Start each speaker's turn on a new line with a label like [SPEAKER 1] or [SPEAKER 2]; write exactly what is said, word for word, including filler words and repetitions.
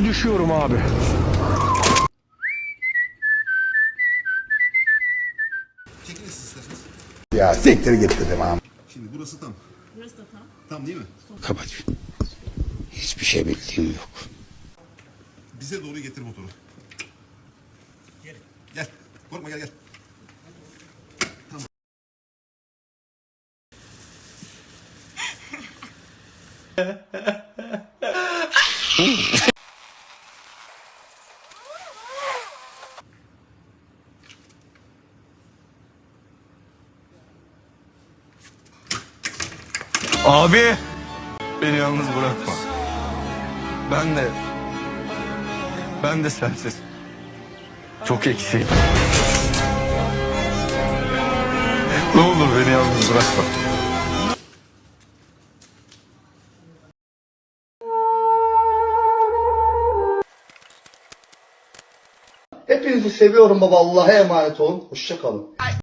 [SPEAKER 1] Şimdi düşüyorum abi.
[SPEAKER 2] Çekilin siz isterseniz.
[SPEAKER 3] Ya siktir git dedim abi.
[SPEAKER 2] Şimdi burası tam.
[SPEAKER 4] Burası da tam.
[SPEAKER 2] Tam değil mi?
[SPEAKER 3] Kapat. Hiçbir şey bildiğim yok.
[SPEAKER 2] Bize doğru getir motoru. Gel. Gel. Korkma gel gel. Tamam.
[SPEAKER 1] Abi. Beni yalnız bırakma. Ben de... Ben de sensiz. Çok eksiğim. Ne olur beni yalnız bırakma.
[SPEAKER 3] Hepinizi seviyorum baba. Allah'a emanet olun. Hoşça kalın.